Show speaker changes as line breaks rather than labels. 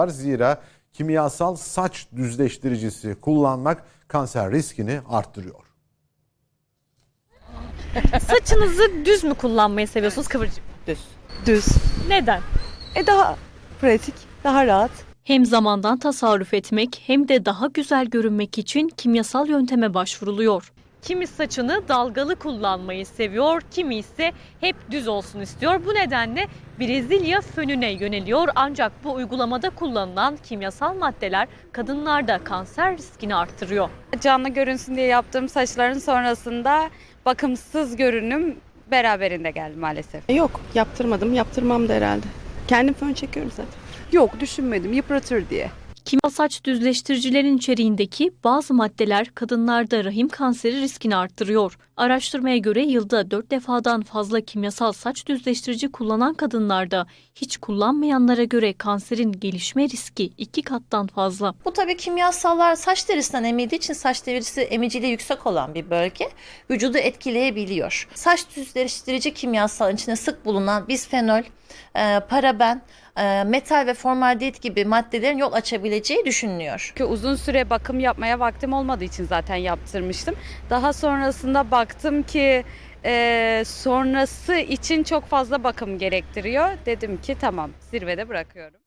Zira kimyasal saç düzleştiricisi kullanmak kanser riskini arttırıyor.
Saçınızı düz mü kullanmayı seviyorsunuz, kıvırcık?
Düz.
Neden?
Daha pratik, daha rahat.
Hem zamandan tasarruf etmek hem de daha güzel görünmek için kimyasal yönteme başvuruluyor. Kimi saçını dalgalı kullanmayı seviyor, kimi ise hep düz olsun istiyor. Bu nedenle Brezilya fönüne yöneliyor. Ancak bu uygulamada kullanılan kimyasal maddeler kadınlarda kanser riskini arttırıyor.
Canlı görünsün diye yaptığım saçların sonrasında bakımsız görünüm beraberinde geldi maalesef.
Yok, yaptırmadım, yaptırmam da herhalde. Kendim fön çekiyorum zaten. Yok, düşünmedim, yıpratır diye.
Kimyasal saç düzleştiricilerin içeriğindeki bazı maddeler kadınlarda rahim kanseri riskini arttırıyor. Araştırmaya göre yılda 4 defadan fazla kimyasal saç düzleştirici kullanan kadınlarda hiç kullanmayanlara göre kanserin gelişme riski 2 kattan fazla.
Bu tabii kimyasallar saç derisinden emildiği için saç derisi emiciliği yüksek olan bir bölge vücudu etkileyebiliyor. Saç düzleştirici kimyasalın içinde sık bulunan bisfenol, paraben, metal ve formaldehit gibi maddelerin yol açabileceği düşünülüyor.
Çünkü uzun süre bakım yapmaya vaktim olmadığı için zaten yaptırmıştım. Daha sonrasında baktım ki sonrası için çok fazla bakım gerektiriyor. Dedim ki tamam, zirvede bırakıyorum.